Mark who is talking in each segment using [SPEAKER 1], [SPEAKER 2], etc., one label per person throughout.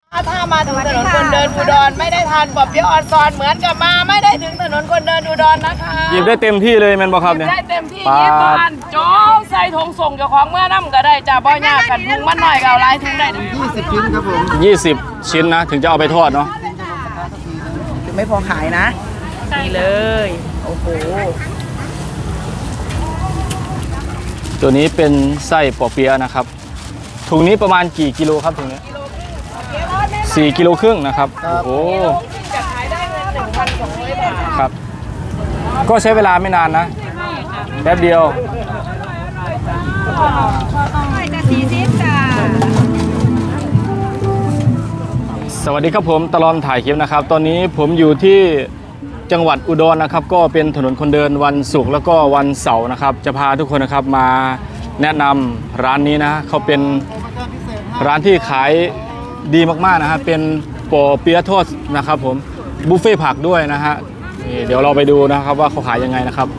[SPEAKER 1] ถ้ามาถึงถนนคนเดินอุดรไม่ได้ทานปอบเปี๊ยะออนซอนเหมือนกับมาไม่ได้ถึงถนนคนเดินอุดรนะคะ
[SPEAKER 2] หยิบได้เต็มที่เลยแมนบอกครับเนี่ย
[SPEAKER 1] ได้เต็มที่ยิบบ้านโจ๊กใส่ถุงส่งเจ้าของเมื่อน้ำก็ได้จ้าบ่อยากกันถุงมันหน่อยก็เอาหลายถุงได้
[SPEAKER 3] 20 ชิ้นครับผม
[SPEAKER 2] 20 ชิ้นนะถึงจะเอาไปทอดเนาะ
[SPEAKER 1] ไม่พอขายนะนี่เลยโอ้โห
[SPEAKER 2] ตัวนี้เป็นไส้ปอเปี๊ยะนะครับถุงนี้ประมาณกี่กิโลครับถุงนี้4 กิโลครึ่งนะครับโอ้โห
[SPEAKER 1] จะขายได้เงิน 1,200 บาท
[SPEAKER 2] ครับก็ใช้เวลาไม่นานนะแป๊บเดียวสวัสดีครับผมตลอดถ่ายคลิปนะครับตอนนี้ผมอยู่ที่จังหวัดอุดรนะครับก็เป็นถนนคนเดินวันศุกร์แล้วก็วันเสาร์นะครับจะพาทุกคนนะครับมาแนะนำร้านนี้นะเขาเป็นร้านที่ขายดีมากๆนะฮะเป็นปอเปี๊ยะทอดนะครับผมบุฟเฟ่ผักด้วยนะฮะเดี๋ยวเราไปดูนะครับว่าเขาขายยังไงนะครับ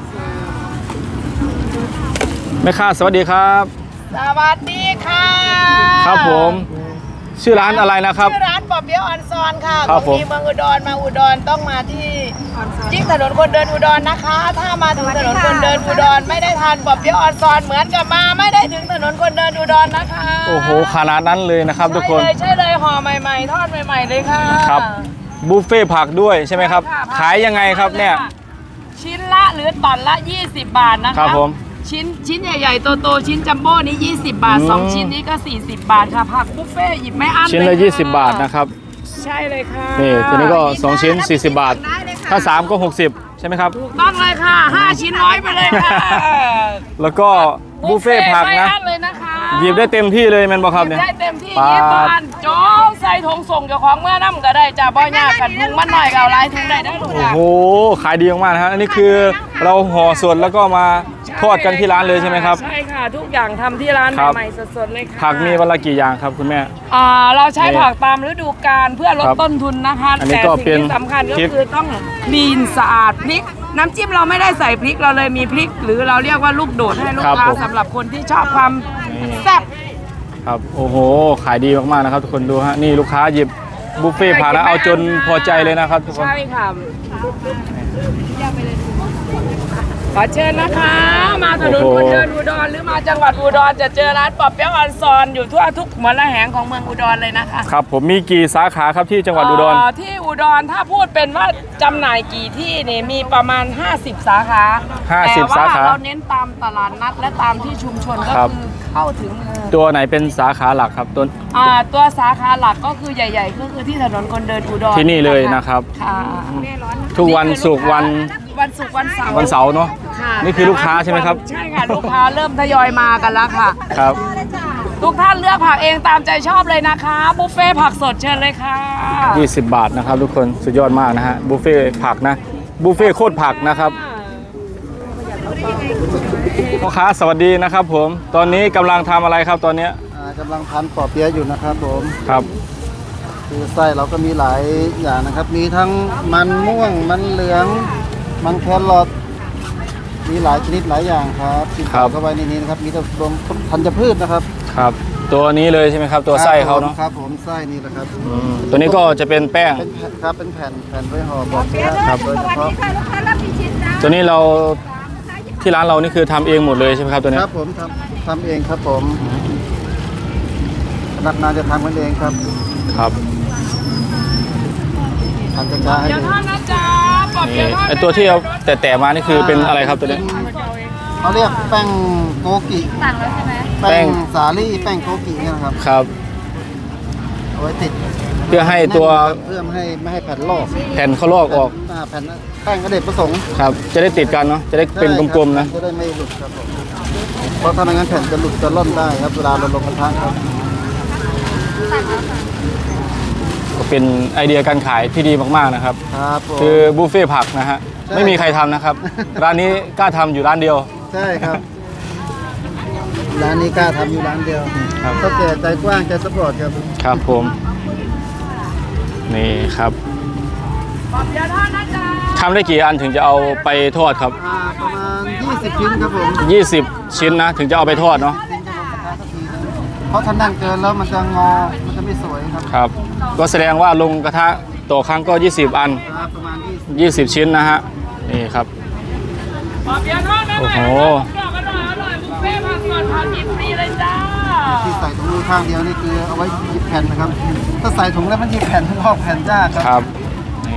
[SPEAKER 2] แม่ค้าสวัสดีครับ
[SPEAKER 1] สวัสดีค่ะ
[SPEAKER 2] ครับผมชื่อร้านอะไรนะครับ
[SPEAKER 1] ชื่อร้านปอบเปี๊ยะออนซอนค่ะ
[SPEAKER 2] ครับผม
[SPEAKER 1] เมืองอุดรมาอุดรต้องมาที่ยิ่งถนนคนเดินอุดรนะคะถ้ามาถึงถนนคนเดินอุดรไม่ได้ทานปอบเปี๊ยะออนซอนเหมือนกับมาไม่ได้ถึงถนนคนเดินอุดรนะคะ
[SPEAKER 2] โอ้โหขนาดนั้นเลยนะครับทุกคน
[SPEAKER 1] ใช่เลยห่อใหม่ๆทอดใหม่ๆเลยค่ะ
[SPEAKER 2] ครับบุฟเฟ่ผักด้วยใช่ไหมครับขายยังไงครับเนี่ย
[SPEAKER 1] ชิ้นละหรือตอนละ20 บาทนะคะ
[SPEAKER 2] ครับผม
[SPEAKER 1] ชิ้นใหญ่ๆโตๆชิ้นจัมโบ้นี้20 บาท2ชิ้นนี้ก็40 บาทค่ะผักบุฟเฟ่หยิบไม่อั้น
[SPEAKER 2] ชิ้นละ20 บาทนะครับ
[SPEAKER 1] ใช่เลยค่ะ
[SPEAKER 2] นี่ตัวนี้ก็2ชิ้น40 บาทถ้า3ก็60ใช่ไหมครับ
[SPEAKER 1] ถูกต้องเลยค่ะ5ชิ้น100ไปเลยค่ะ
[SPEAKER 2] แล้วก็บุฟเฟ่ผักนะหยิบได้เต็มที่เลยแมนบอกครับเนี่ย
[SPEAKER 1] ได้เต็มที่ยิบบ้านโจ๊กใส่ถุงส่งเจ้าของเมื่อน้ำก็ได้จ้าบ่อยากกันถุงมันหน่อยก็เอาหลายถุงได้ลูก
[SPEAKER 2] โอ้โหขายดีมากๆนะฮะอันนี้คือเราห่อสดแล้วก็มาทอดกันที่ร้านเลยใช่ไหมครับ
[SPEAKER 1] ใช่ค่ะทุกอย่างทำที่ร้านใหม่ๆสดๆเลยค่ะ
[SPEAKER 2] ผักมีวันละกี่อย่างครับคุณแม่
[SPEAKER 1] เราใช้ผักตามฤดูกาลเพื่อลดต้นทุนนะคะแต่สิ่งที่สำคัญก็คือต้องคลีนสะอาดพริกน้ำจิ้มเราไม่ได้ใส่พริกเราเลยมีพริกหรือเราเรียกว่าลูกโดดให้ลูกค้าสำหรับคนที่ชอบความแซ่บ
[SPEAKER 2] ครับโอ้โหขายดีมากๆนะครับทุกคนดูฮะนี่ลูกค้าหยิบบุฟเฟ่ผ่านแล้วเอาจนพอใจเลยนะครับทุกคน
[SPEAKER 1] ใช่ค่ะขอเชิญนะคะมาถนนคนเดินอุดรหรือมาจังหวัดอุดรจะเจอร้านปอบเปี๊ยะออนซอนอยู่ทั่วทุกหมระแหงของเมืองอุดรเลยนะคะ
[SPEAKER 2] ครับผมมีกี่สาขาครับที่จังหวัดอุดร
[SPEAKER 1] ที่อุดรถ้าพูดเป็นว่าจำหน่ายกี่ที่นี่มีประมาณ50 สาขา
[SPEAKER 2] 50 สาขา
[SPEAKER 1] เราเน้นตามตลาดนัดและตามที่ชุมชนก็คือเข้าถึง
[SPEAKER 2] ตัวไหนเป็นสาขาหลักครับ
[SPEAKER 1] ตัวสาขาหลักก็คือใหญ่ๆก็คือที่ถนนคนเดินอุดร
[SPEAKER 2] ที่นี่เลยนะครับทุกวันศุกร์วันเสาร์เนาะนี่คือลูกค้าใช่ไหมครับ
[SPEAKER 1] ใช่ค่ะลูกค้าเริ่มทยอยมากันแล้วค่ะ
[SPEAKER 2] ครับ
[SPEAKER 1] ทุกท่านเลือกผักเองตามใจชอบเลยนะคะบุฟเฟ่ผักสดเชิญเลยค่ะ
[SPEAKER 2] 20 บาทนะครับทุกคนสุดยอดมากนะฮะบุฟเฟ่ผักนะบุฟเฟ่โคตรผักนะครับพ่อค้าสวัสดีนะครับผมตอนนี้กำลังทำอะไรครับตอนนี้
[SPEAKER 3] กำลังพันปอเปี๊ยะอยู่นะครับผม
[SPEAKER 2] ครับ
[SPEAKER 3] คือไส้เราก็มีหลายอย่างนะครับมีทั้งมันม่วงมันเหลืองมันแครอทมีหลายชนิดหลายอย่างครับที่ใส่เข้าไปในนี้นะครับมีทั้งรวมธัญพืชนะครับ
[SPEAKER 2] ครับตัวนี้เลยใช่ไหมครับตัวไส้เขาเนาะ
[SPEAKER 3] ครับผมไส้นี่แหละครับ
[SPEAKER 2] ตัวนี้ก็จะเป็นแป้ง
[SPEAKER 3] ครับเป็นแผ่นไว้ห่อปอเปี๊ยะครับโดยเฉพาะ
[SPEAKER 2] ตัวนี้เราที่ร้านเรานี่คือทำเองหมดเลยใช่ไหมครับตัวนี้
[SPEAKER 3] ครับผมทำเองครับผมพนักงานจะทำกันเองครับ
[SPEAKER 2] ครับ
[SPEAKER 3] ทำจ้าให้ดู
[SPEAKER 2] ไอตัวที่เราแต่มานี่คือเป็นอะไรครับตัวนี้
[SPEAKER 3] เขาเรียกแป้งโกกิ
[SPEAKER 1] สั่งแล้วใช่ไหม
[SPEAKER 3] แป้งสาลี่แป้งโกกิเนี่ยนะครับ
[SPEAKER 2] ครับ
[SPEAKER 3] เอาไว้ติด
[SPEAKER 2] เพื่อให้ตัว
[SPEAKER 3] เพื่อไม่ให้แผ่นลอก
[SPEAKER 2] แผ่นเขาลอกออก
[SPEAKER 3] แผ่นแป้งกระเด็ดประสงค์
[SPEAKER 2] ครับจะได้ติดกันเนาะจะได้เป็นกลมๆนะ
[SPEAKER 3] จะได้ไม่หลุดครับเพราะถ้าไม่งั้นแผ่นจะหลุดจะล่อนได้ครับเวลาเราลงกระทะครับ
[SPEAKER 2] ก็เป็นไอเดียการขายที่ดีมากๆนะครับคือบุฟเฟ่ผักนะฮะไม่มีใครทำนะครับร้านนี้กล้าทำอยู่ร้านเดียว
[SPEAKER 3] ใช่ครับร้านนี้กล้าทำอยู่ร้านเดียวก็แก่ใจกว้างใจสปอร์ตครับ
[SPEAKER 2] ครับผมนี่ครับทำได้กี่อันถึงจะเอาไปทอดครับ
[SPEAKER 3] ประมาณ20 ชิ้นครับผม
[SPEAKER 2] 20 ชิ้นนะถึงจะเอาไปทอดเนาะ
[SPEAKER 3] เพราะถ้านั่งเกินแล้วมันจะงอมันจะไม่สวยครับ
[SPEAKER 2] ครับก็แสดงว่าลงกระทะต่อครั้งก็ 20 อัน
[SPEAKER 3] ประมาณ
[SPEAKER 2] 20 ชิ้นนะฮะนี่ครับ
[SPEAKER 1] ปอเปี๊ยะทอดแม่ใหม่
[SPEAKER 2] โอ้โห
[SPEAKER 1] กรอบอร่อยบุฟเฟ่ต์ผักสดผักดิบฟรีเลยจ้า
[SPEAKER 3] ที่ใส่ถุงมือข้างเดียวนี่คือเอาไว้หยิบแผ่นนะครับ ถ้าใส่ถุงแล้วมันหยิบแผ่นทั้งรอบแผ่นยากค
[SPEAKER 2] ครับ รับนี่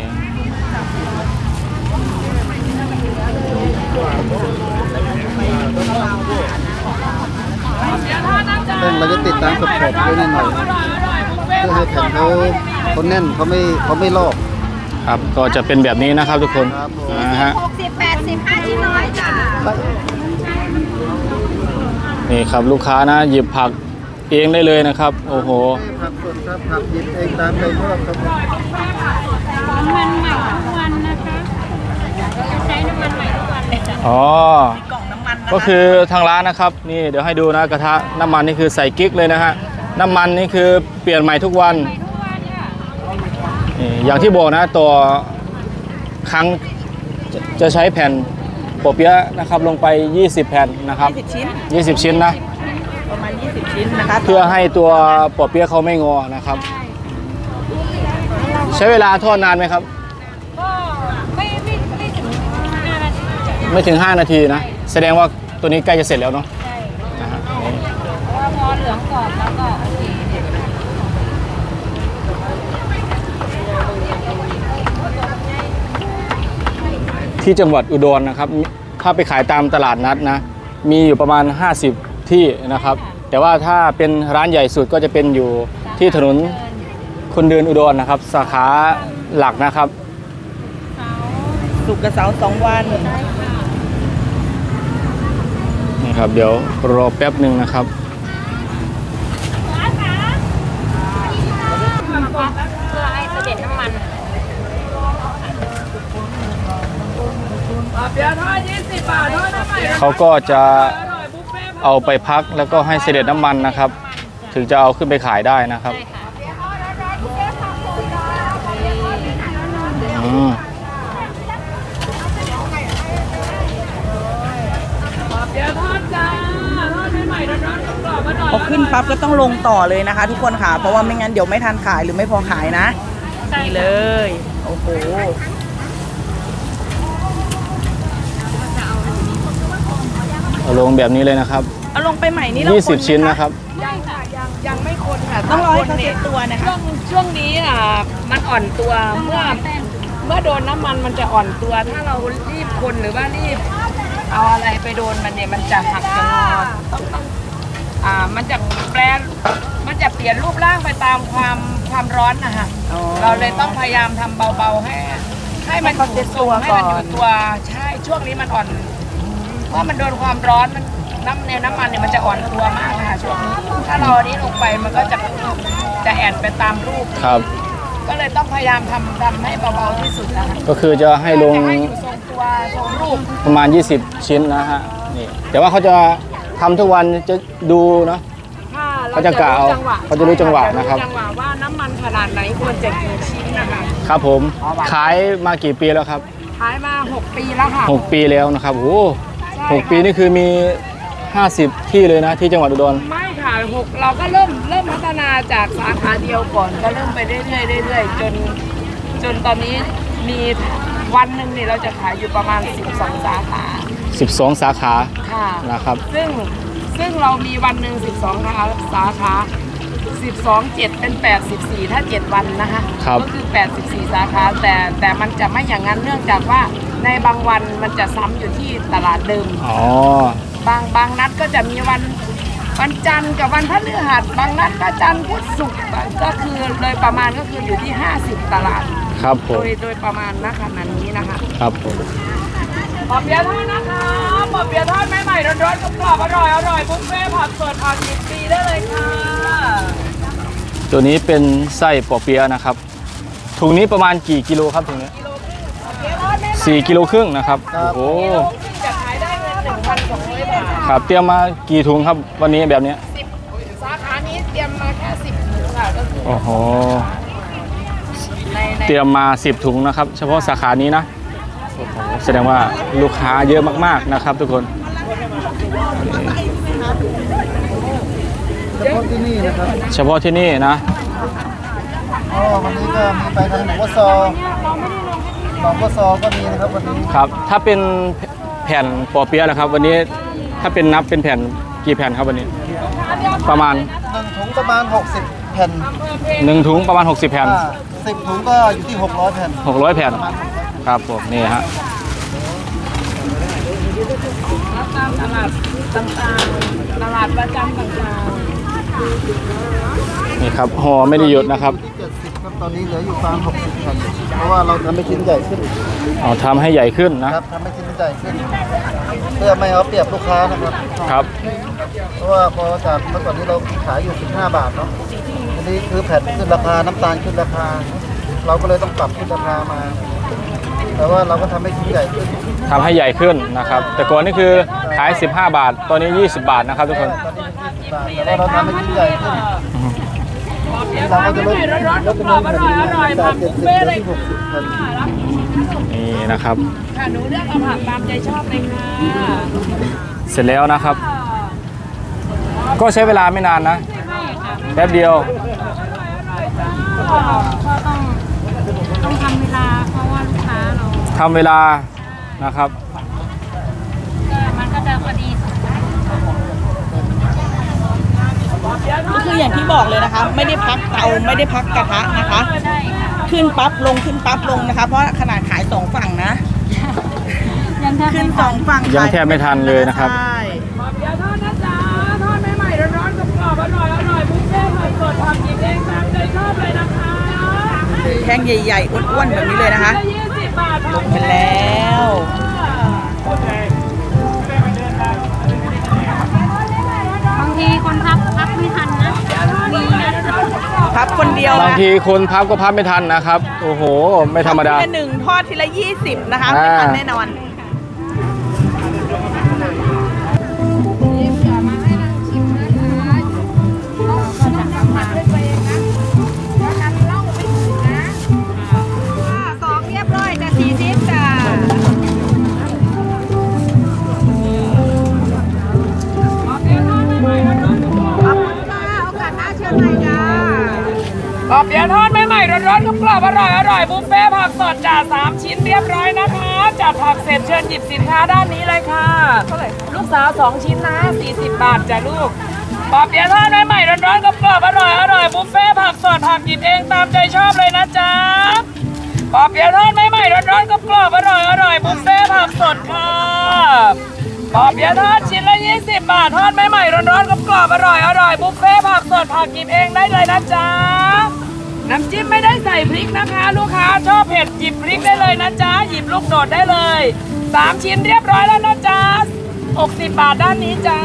[SPEAKER 3] เรื่องเราจะติดตามขอบๆด้วยนิดหน่อยเพื่อให้แผ่นเขาแน่นเขาไม่ลอก
[SPEAKER 2] ครับก็จะเป็นแบบนี้นะครับทุกคน
[SPEAKER 3] ครับผม
[SPEAKER 2] นะฮะ
[SPEAKER 4] 60-80-5ชิ้นน้อยจ้ะ
[SPEAKER 2] นี่ครับลูกค้านะหยิบผักเองได้เลยนะครับโอ้โห
[SPEAKER 3] ผักสดครับผักหยิบเองตามใจชอบครับ
[SPEAKER 4] น้ำมันใหม่ทุกวันนะคะใช้น้ำมันใหม่ทุกวันเลยจ้ะ
[SPEAKER 2] อ๋อ
[SPEAKER 1] กล่องน้ำมันนะ
[SPEAKER 2] ก็คือทางร้านนะครับนี่เดี๋ยวให้ดูนะกระทะน้ำมันนี่คือใส่กิ๊กเลยนะฮะน้ำมันนี่คือเปลี่ยนใหม่ทุกวัน
[SPEAKER 4] ทุกวันค่ะ
[SPEAKER 2] นี่อย่างที่บอกนะต่อครั้งจะใช้แผ่นปอเปี๊ยะนะครับลงไป 20 แผ่นนะครับ
[SPEAKER 1] 20 ชิ้น
[SPEAKER 2] 20 ชิ้นนะ
[SPEAKER 1] ประมาณ 20 ชิ้นนะคะ
[SPEAKER 2] เพื่อให้ตัวปอเปี๊ยะเขาไม่งอนะครับ ใช้เวลาทอดนานไหมครับ
[SPEAKER 4] ก็ไม่ถึง5 นาทีจ้ะ
[SPEAKER 2] ไม่ถึง 5 นาทีนะ แสดงว่าตัวนี้ใกล้จะเสร็จแล้วเนาะ
[SPEAKER 4] ใช่
[SPEAKER 2] นะฮะ
[SPEAKER 4] เพราะว่าพอเหลืองกรอบแล้วก็โอเค
[SPEAKER 2] ที่จังหวัดอุดรนะครับถ้าไปขายตามตลาดนัดนะมีอยู่ประมาณ 50 ที่นะครับ แต่ว่าถ้าเป็นร้านใหญ่สุดก็จะเป็นอยู่ที่ถนนคนเดินอุดรนะครับ สาขาหลักนะครับ
[SPEAKER 1] สุกร์กับเสาร์2 วัน
[SPEAKER 2] นี่ครับเดี๋ยวรอแป๊บหนึ่งนะครับ
[SPEAKER 4] เพื่อให้เสด็จน้ำมัน
[SPEAKER 1] ปอเปี๊ยะทอด20 บาททอดน้ำใหม่
[SPEAKER 2] เขาก็จะ
[SPEAKER 1] อร่อยบุฟเฟ่ต์ผัก
[SPEAKER 2] เอาไปพักแล้วก็ให้เสด็จน้ำมันนะครับ ถึงจะเอาขึ้นไปขายได้นะครับ
[SPEAKER 4] ใช่ค่ะ
[SPEAKER 2] อืม
[SPEAKER 1] ปอเปี๊ยะทอดจ้าทอดใหม่ๆร้อนๆกรอบๆอร่อย
[SPEAKER 5] พอขึ้นปั๊บก็ต้องลงต่อเลยนะคะ ทุกคนค่ะ เพราะว่าไม่งั้นเดี๋ยวไม่ทันขายหรือไม่พอขายนะนี่เลย โอ้โห
[SPEAKER 2] เอาลงแบบนี้เลยนะครับ
[SPEAKER 5] เอาลงไปใหม่นี่เราคน
[SPEAKER 2] 20 ชิ้นนะครับ
[SPEAKER 1] ยังไม่คนค่ะ
[SPEAKER 5] ต้องรอให้เขา
[SPEAKER 1] คน
[SPEAKER 5] เซ็ตตัวนะคะ
[SPEAKER 1] ช่วงนี้มันอ่อนตัวเมื่อโดนน้ำมันมันจะอ่อนตัว ถ้าเรารีบคนหรือว่ารีบเอาอะไรไปโดนมันเนี่ยมันจะหักจะงอต้องมันจะเปลี่ยนรูปร่างไปตามความร้อนนะคะ
[SPEAKER 5] อ๋อ
[SPEAKER 1] เราเลยต้องพยายามทำเบาๆให้มันอยู่ทรงให้มันอยู่ตัวใช่ช่วงนี้มันอ่อน เพราะมันโดนความร้อนมันน้ำมันเนี่ยมันจะอ่อนตัวมากค่ะช่วงนี้ถ้าเราอันนี้ลงไปมันก็จะแอนไปตามรูป
[SPEAKER 2] ครับ
[SPEAKER 1] ก็เลยต้องพยายามทำให้เบาๆที่สุดนะคะ
[SPEAKER 2] ก็คือจะให้ลง
[SPEAKER 1] จะให้อยู่ทรงตัวทรงรูป
[SPEAKER 2] ประมาณ 20 ชิ้นนะฮะนี่แต่ว่าเขาจะทำทุกวันจะดูเนาะ
[SPEAKER 1] ถ้า
[SPEAKER 2] เขาจะกะเอาเขาจะรู้จังหวะนะครับ
[SPEAKER 1] จังหวะว่าน้ำมันขนาดไหนควรจะกี่ชิ้นนะคะ
[SPEAKER 2] ครับผมขายมากี่ปีแล้วครับ
[SPEAKER 1] ขายมา6 ปีแล้วค่ะ
[SPEAKER 2] 6 ปีแล้วนะครับโอ้
[SPEAKER 1] ใช่
[SPEAKER 2] หกปีนี่คือมี 50 ที่เลยนะที่จังหวัดอุดร
[SPEAKER 1] ไม่ค่ะเราก็เริ่มพัฒนาจากสาขาเดียวก่อนก็เริ่มไปเรื่อยๆจนตอนนี้มีวันหนึ่งเนี่ยเราจะขายอยู่ประมาณ12 สาขา
[SPEAKER 2] 12 สาขา
[SPEAKER 1] ค่ะ
[SPEAKER 2] นะครับ
[SPEAKER 1] ซึ่งเรามีวันหนึ่ง12 สาขา 12 7 เป็น 84 ถ้า 7 วันนะคะ
[SPEAKER 2] ครับ
[SPEAKER 1] ก็คือ 84 สาขาแต่มันจะไม่อย่างนั้นเนื่องจากว่าในบางวันมันจะซ้ำอยู่ที่ตลาดเดิม
[SPEAKER 2] อ๋อ
[SPEAKER 1] บางนัดก็จะมีวันจันทร์กับวันพฤหัสบางนัดก็จันทร์พุธศุกร์ก็คือโดยประมาณก็คืออยู่ที่ 50 ตลาด
[SPEAKER 2] ครับผม
[SPEAKER 1] โดยประมาณณขณะนี้นะคะ
[SPEAKER 2] ครับผม
[SPEAKER 1] ปอเปี๊ยะทอดนะคะปอเปี๊ยะทอดใหม่ๆร้อนๆกรอบๆอร่อยบุฟเฟ่ต์ผักสดผักดิบฟรีได้เลยค่ะ
[SPEAKER 2] ตัวนี้เป็นไส้ปอเปี๊ยะนะครับถุงนี้ประมาณกี่กิโลครับถุงนี้ 4 กิโลครึ่งนะครับโอ้โห
[SPEAKER 1] จะขายได้เงิน 1,200 บาท
[SPEAKER 2] ครับเตรียมมากี่ถุงครับวันนี้แบบเนี้ย
[SPEAKER 1] สาขานี้เตรียมมาแค่10 ถุงค่ะก็คือ
[SPEAKER 2] โอ้โห
[SPEAKER 1] ใน
[SPEAKER 2] เตรียมมา10 ถุงนะครับ เฉพาะสาขานี้นะโอ้โหแสดงว่าลูกค้าเยอะมากๆนะครับทุกคน
[SPEAKER 3] เฉพาะที่นี่นะครับ
[SPEAKER 2] เฉพาะที่นี่นะ
[SPEAKER 3] วันนี้ก็มีไปทางหนองวัวซอหนองวัวซอก็มีนะครับวันนี้
[SPEAKER 2] ครับถ้าเป็นแผ่นปอเปี๊ยะนะครับ วันนี้ถ้าเป็นนับเป็นแผ่นกี่แผ่นครับวันนี้ ประมาณ
[SPEAKER 3] 1 ถุงประมาณ 60 แผ่น
[SPEAKER 2] 1 ถุงประมาณ 60 แผ่น
[SPEAKER 3] 10 ถุงก็อยู่ที่ 600 แผ่น
[SPEAKER 2] 600 แผ่นครับผมนี่ฮะ
[SPEAKER 1] ตามตลาดต่างๆตลาดประจำต่าง
[SPEAKER 2] นี่ครับห่อไม่ได้หยุดนะครับ
[SPEAKER 3] ที่70ครับตอนนี้เหลืออยู่ประมาณ60 แผ่นเพราะว่าเราทำให้ชิ้นใหญ่ขึ้น
[SPEAKER 2] เอาทำให้ใหญ่ขึ้นนะครับ
[SPEAKER 3] ทำให้ชิ้นใหญ่ขึ้น เพื่อไม่เอาเปรียบลูกค้านะครับ
[SPEAKER 2] ครับ
[SPEAKER 3] เพราะว่าพอจากเมื่อก่อนนี้เราขายอยู่15 บาทเนาะทีนี้คือแผ่นขึ้นราคาน้ำตาลขึ้นราคา เราก็เลยต้องปรับขึ้นราคามา แต่ว่าเราก็ทำให้ชิ้นใหญ่ขึ้น
[SPEAKER 2] ทำให้ใหญ่ขึ้นนะครับ แต่ก่อนนี่คือขาย 15 บาท ตอนนี้ 20 บาทนะครับทุกคน
[SPEAKER 3] ตอนนี้เป็น20 บาทแต่ว่าเราทำให้ชิ้นใหญ่ขึ้น
[SPEAKER 1] ๆ
[SPEAKER 3] เราก็จะลด
[SPEAKER 1] ร้อนๆ
[SPEAKER 3] ลดจำนวนแผ่น
[SPEAKER 1] อร่อยๆ
[SPEAKER 3] จา
[SPEAKER 1] ผั
[SPEAKER 3] ก
[SPEAKER 1] กบุฟ
[SPEAKER 3] 70
[SPEAKER 1] เฟ่
[SPEAKER 3] เห
[SPEAKER 1] ต์
[SPEAKER 3] ลื
[SPEAKER 1] เล
[SPEAKER 3] อย ที่
[SPEAKER 1] ค่ะ
[SPEAKER 3] 60 แผ่น
[SPEAKER 2] นี่นะครับ
[SPEAKER 1] ค่ะหนูเลือกเอาผักตามใจชอบเลยค่ะ
[SPEAKER 2] เสร็จแล้วนะครับ ก็ใช้เวลาไม่นานนะแป๊บเดียว
[SPEAKER 4] ก็ต้องทำเวลาเพราะว่าลูกค้าเรา
[SPEAKER 2] ทำเวลานะครับ
[SPEAKER 4] มันก็จะพอดี
[SPEAKER 5] ก็คืออย่างที่บอกเลยนะคะ ไม่ได้พักเตาไม่ได้พักกระทะนะคะ
[SPEAKER 4] ได้ค่ะ
[SPEAKER 5] ขึ้นปั๊บลงขึ้นปั๊บลงนะคะ เพราะขนาดขาย2ฝั่งนะ
[SPEAKER 4] ยังแทบ
[SPEAKER 5] ขึ้
[SPEAKER 4] ไม่
[SPEAKER 5] น
[SPEAKER 4] ทัน
[SPEAKER 5] 2ฝั่ง
[SPEAKER 2] ยังแทบไม่ทันเลยนะครับ
[SPEAKER 5] ใช่
[SPEAKER 1] เดี๋ยวทอดนะจ๊ะทอดใหม่ๆร้อนๆกรอบๆอร่อยๆบุฟเฟ่ต์ผักสดผักหยิบเองตามใจชอบเลยนะคะ
[SPEAKER 5] แท่งใหญ่ๆอ้วนๆแบบนี้เลยนะคะ
[SPEAKER 1] 20 บาท
[SPEAKER 5] ลงไปแล้ว
[SPEAKER 4] บางทีคนพักไม่ทันนะมีนะ
[SPEAKER 5] พับคนเดียว
[SPEAKER 2] บาง
[SPEAKER 5] นะ
[SPEAKER 2] ทีคนพับก็พับไม่ทันนะครับ โอ้โห ไม่ธรรมดา
[SPEAKER 5] ทีละ1ทอดทีละ20นะคะไม่ทันแน่นอน
[SPEAKER 1] 2เรียบร้อยจะ40จ้า ปอบเปี๊ยะทอดใหม่ๆร้อนๆกรอบๆอร่อยๆบุฟเฟ่ต์ผักสดจ่า3 ชิ้นเรียบร้อยนะคะจัดผักเสร็จเชิญหยิบสินค้าด้านนี้เลยค่ะลูกสาว2 ชิ้นนะ40 บาทจ้ะลูกปอบเปี๊ยะทอดใหม่ๆร้อนๆกรอบๆอร่อยๆบุฟเฟ่ต์ผักสดผักหยิบเองตามใจชอบเลยนะจ๊ะปอบเปี๊ยะทอดใหม่ๆร้อนๆกรอบๆอร่อยๆบุฟเฟ่ต์ผักสดค่ะปอบเปี๊ยะทอดชิ้นละ20 บาททอดใหม่ๆร้อนๆกรอบๆอร่อยๆบุฟเฟ่ต์ผักสดผักหยิบเองได้เลยนะจ๊ะน้ำจิ้มไม่ได้ใส่พริกนะคะ ลูกค้าชอบเผ็ดหยิบพริกได้เลยนะจ๊ะหยิบลูกโดดได้เลย3 ชิ้นเรียบร้อยแล้วนะจ๊ะ60 บาทด้านนี้จ้า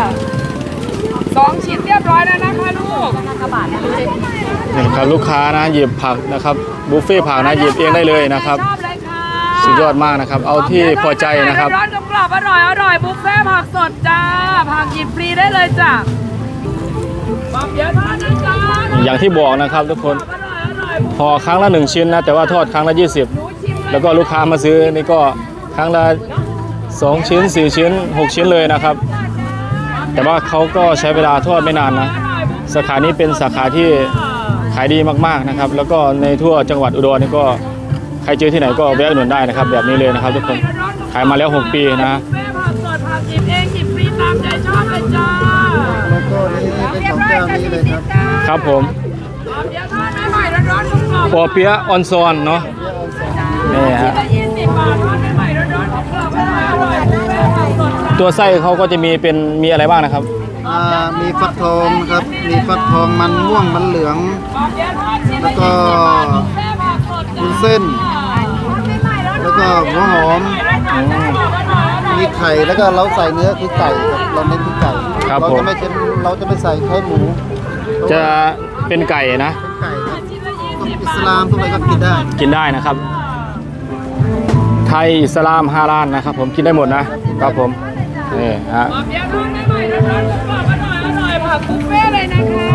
[SPEAKER 1] 2 ชิ้นเรียบร้อยแล้วนะคะลูก
[SPEAKER 2] นี่ครับลูกค้านะหยิบผักนะครับบุฟเฟ่ต์ผักนะหยิบเองได้เลยนะครับ
[SPEAKER 1] ชอบเลยค่ะ
[SPEAKER 2] สุดยอดมากนะครับ เอาที่พอใจนะครับ
[SPEAKER 1] ร้อนๆกรอบๆอร่อยๆบุฟเฟ่ต์ผักสดจ้าผักหยิบฟรีได้เลยจ้ะปอบเปี๊ยะทอดนะจ๊ะ
[SPEAKER 2] อย่างที่บอกนะครับทุกคน
[SPEAKER 1] อร่อยๆ
[SPEAKER 2] พอครั้งละ1 ชิ้นนะแต่ว่าทอดครั้งละ20แล้วก็ลูกค้ามาซื้อนี่ก็ครั้งละ2 ชิ้น 4 ชิ้น 6 ชิ้นเลยนะครับ แต่ว่าเขาก็ใช้เวลาทอดไม่นานนะสาขานี้เป็นสาขาที่ขายดีมากๆนะครับ แล้วก็ในทั่วจังหวัดอุดรนี่ก็ใครเจอที่ไหนก็แวะอุดหนุนได้นะครับ แบบนี้เลยนะครับทุกคนขายมาแล้ว6 ปีนะ
[SPEAKER 1] บุฟเฟ่ต์ผักสดผักหยิบเองหยิบฟรีตามใจชอบเลยจ้า
[SPEAKER 3] แล้วก็นี่เป็นของเจ้านี้เลยครับ
[SPEAKER 2] ครับผม
[SPEAKER 1] ปอบเปี๊ยะทอดใหม่ๆร้อนๆกรอบๆ
[SPEAKER 2] ปอเปี๊ยะออนซอนเนาะนี่ฮะ
[SPEAKER 1] 20 บาททอดใหม่ๆร้อนๆกรอบๆอร่อยๆบุฟเฟ่ต์ผักสดจ้า
[SPEAKER 2] ตัวไส้เขาก็จะมีอะไรบ้างนะครับ
[SPEAKER 3] มีฟักทองครับมีฟักทองมันม่วงมันเหลือง
[SPEAKER 1] ปอบเปี๊ยะทอดชิ้น
[SPEAKER 3] แล้
[SPEAKER 1] ละ
[SPEAKER 3] วก็
[SPEAKER 1] 20 บาทบุฟเฟ่ต์ผักสดจ้า
[SPEAKER 3] วุ้นเส้น แล้วก็หัวหอม มีไข่แล้วก็เราใส่เนื้อคือไก่ครับเราเน้นที่ไก่
[SPEAKER 2] ครับ
[SPEAKER 3] เรา
[SPEAKER 2] ผม
[SPEAKER 3] จะไม่ใช่เราจะไม่ใส่แค่หมู
[SPEAKER 2] จะเป็นไก่นะ
[SPEAKER 3] เป็นไก่ครับพวกอิสลามพวกอะไรก็กินได้
[SPEAKER 2] กินได้นะครับ ไทยอิสลามฮาลาลนะครับ ผมกินได้หมดนะครับผมนี่ฮะ
[SPEAKER 1] ปอบเปี๊ยะทอดใหม่ๆร้อนๆกรอบๆอร่อยๆผักบุฟเฟ่ต์เลยนะคะ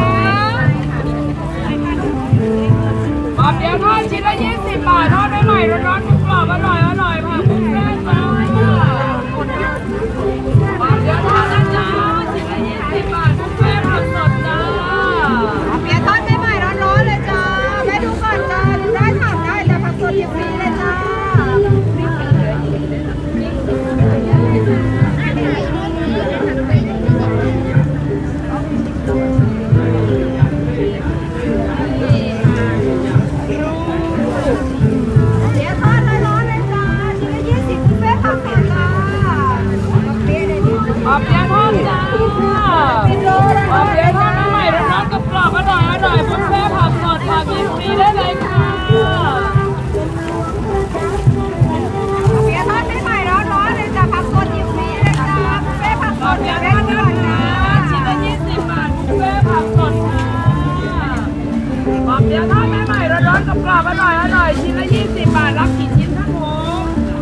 [SPEAKER 1] ปอบเปี๊ยะทอดชิ้นละ20 บาททอดใหม่ๆร้อนๆกรอบๆอร่อยๆผักบุฟเฟ่ต์จ้าปอบเปี๊ยะทอดนะจ๊ะชิ้นละ20 บาทบุฟเฟ่ต์ผักสดจ้าได้เลยค่ะเบียร์ทอดใหม่ๆร้อนๆเลยจ้ะผักสดอยู่นี่เลยจ้ะบุฟเฟ่ผักสดเบียร์ทอดด้วยนะชิ้นละ20 บาทบุฟเฟ่ผักสดค่ะเบียร์ทอดใหม่ๆร้อนๆกรอบๆอร่อยๆชิ้นละ20 บาทรับกี่ชิ้นครับผม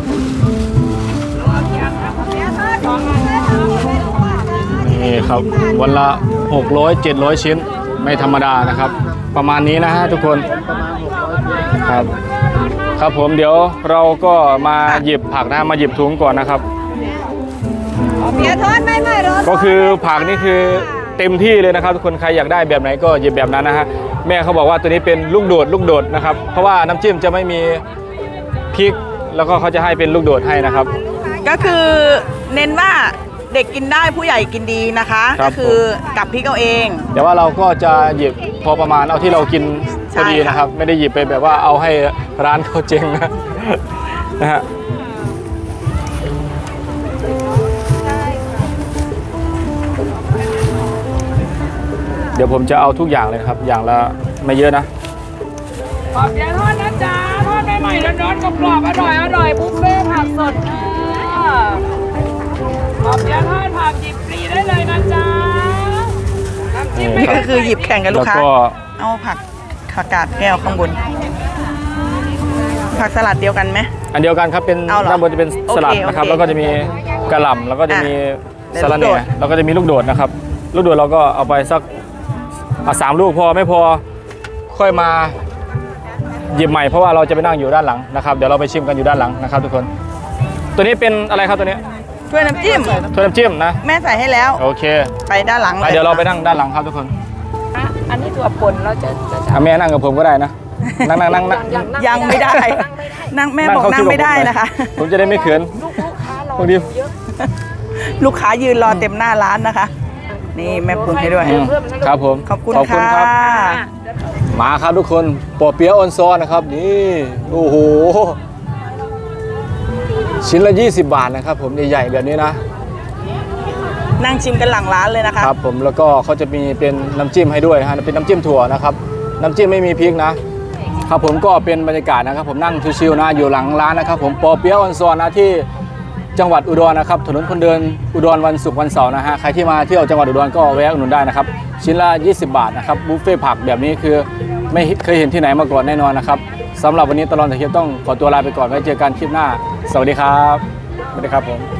[SPEAKER 1] เบียร์ทอด2 อัน
[SPEAKER 2] นี่ครับวันละ600 700 ชิ้นไม่ธรรมดานะครับ ประมาณนี้นะฮะทุกคนครับครับผมเดี๋ยวเราก็มาหยิบผักนะมาหยิบถุงก่อนนะครับ
[SPEAKER 1] เบียร์ทอดใหม่ๆร้อนๆ
[SPEAKER 2] ก็คือผักนี่คือเต็มที่เลยนะครับทุกคนใครอยากได้แบบไหนก็หยิบแบบนั้นนะฮะแม่เขาบอกว่าตัวนี้เป็นลูกโดดนะครับเพราะว่าน้ำจิ้มจะไม่มีพริกแล้วก็เขาจะให้เป็นลูกโดดให้นะครับ
[SPEAKER 5] ก็คือเน้นว่าเด็กกินได้ผู้ใหญ่กินดีนะคะ
[SPEAKER 2] ครั
[SPEAKER 5] ก็
[SPEAKER 2] บ
[SPEAKER 5] คือกับพริกเอาเอง
[SPEAKER 2] แต่ว่าเราก็จะหยิบพอประมาณเอาที่เรากินพอดี
[SPEAKER 5] ใช่ค่ะ
[SPEAKER 2] นะครับ ไม่ได้หยิบไปแบบว่าเอาให้ร้านเขาเจ๊งนะ นะฮะเดี๋ยวผมจะเอาทุกอย่างเลยนะครับ อย่างละไม่เยอะนะ
[SPEAKER 1] ขอบเบียร์ทอดนะจ๊ะทอดใหม่ๆร้อนๆกรอบๆอร่อยบุฟเฟ่ผักสดค่ะขอบเบียร์ทอดผักหยิบฟรีได้เลยนะจ๊ะน้ำจิ้ม
[SPEAKER 5] นี่ก็คือหยิบแข่งกับลูกค้า
[SPEAKER 2] แล้วก็
[SPEAKER 5] เอาผักกาดแก้วข้างบน ผักสลัดเดียวกันไหม
[SPEAKER 2] อันเดียวกันครับเป็น
[SPEAKER 5] เอาเหรอ
[SPEAKER 2] ด้านบนจะเป็นสลัด
[SPEAKER 5] โอเค
[SPEAKER 2] นะครับ
[SPEAKER 5] โอเค
[SPEAKER 2] แล้วก็จะมีกระหล่ำแล้วก็จะมี
[SPEAKER 5] อ่ะ
[SPEAKER 2] สะระแห
[SPEAKER 5] ลูกโด
[SPEAKER 2] น่
[SPEAKER 5] ด
[SPEAKER 2] แล้วก็จะมีลูกโดดนะครับ ลูกโดดเราก็เอาไปสัก3 ลูกพอไม่พอค่อยมาหยิบใหม่เพราะว่าเราจะไปนั่งอยู่ด้านหลังนะครับเดี๋ยวเราไปชิมกันอยู่ด้านหลังนะครับทุกคน ตัวนี้เป็นอะไรครับตัวนี้
[SPEAKER 5] ถ้วยน้ำจิ้ม
[SPEAKER 2] ถ้วยน้ำจิ้มนะ
[SPEAKER 5] แม่ใส่ให้แล้ว
[SPEAKER 2] โอเค
[SPEAKER 5] ไปด้านหลัง
[SPEAKER 2] ไปเดี๋ยวเราไปนั่งด้านหลังครับทุกคน
[SPEAKER 1] อันนี้ตัวป่นเราจะ
[SPEAKER 2] อ่ะแม่นั่งกับผมก็ได้นะนั่ง
[SPEAKER 5] ยังไม่ได้ นั่งแม่บอกนั่งไม่ได้นะคะ
[SPEAKER 2] ผมจะได้ไม่เขินบางที
[SPEAKER 5] ลูกค้ายืนรอเต็มหน้าร้านนะคะ นี่แม่ปรุงให้ด้วย
[SPEAKER 2] ครับผม
[SPEAKER 5] ขอบคุณ
[SPEAKER 2] ครั
[SPEAKER 5] ค่ะ
[SPEAKER 2] มาครับทุกคนปอเปี๊ยะออนซอนนะครับนี่โอ้โหชิ้นละ20 บาทนะครับผมใหญ่ๆแบบนี้นะ
[SPEAKER 5] นั่งชิมกันหลังร้านเลยนะคะ
[SPEAKER 2] ครับผมแล้วก็เขาจะมีเป็นน้ำจิ้มให้ด้วยนะฮะเป็นน้ำจิ้มถั่วนะครับน้ำจิ้มไม่มีพริกนะครับผมก็เป็นบรรยากาศนะครับผมนั่งชิวๆนะอยู่หลังร้านนะครับผมปอเปี๊ยะออนซอนนะที่จังหวัดอุดรนะครับถนนคนเดินอุดรวันศุกร์วันเสาร์นะฮะใครที่มาเที่ยวจังหวัดอุดรก็แวะอุดหนุนได้นะครับชิ้นละ20 บาทนะครับบุฟเฟ่ผักแบบนี้คือไม่เคยเห็นที่ไหนมาก่อนแน่นอนนะครับสำหรับวันนี้ตลอดถ่ายคลิปต้องขอตัวลาไปก่อนไว้เจอกันคลิปหน้าสวัสดีครับสวัสดีครับผม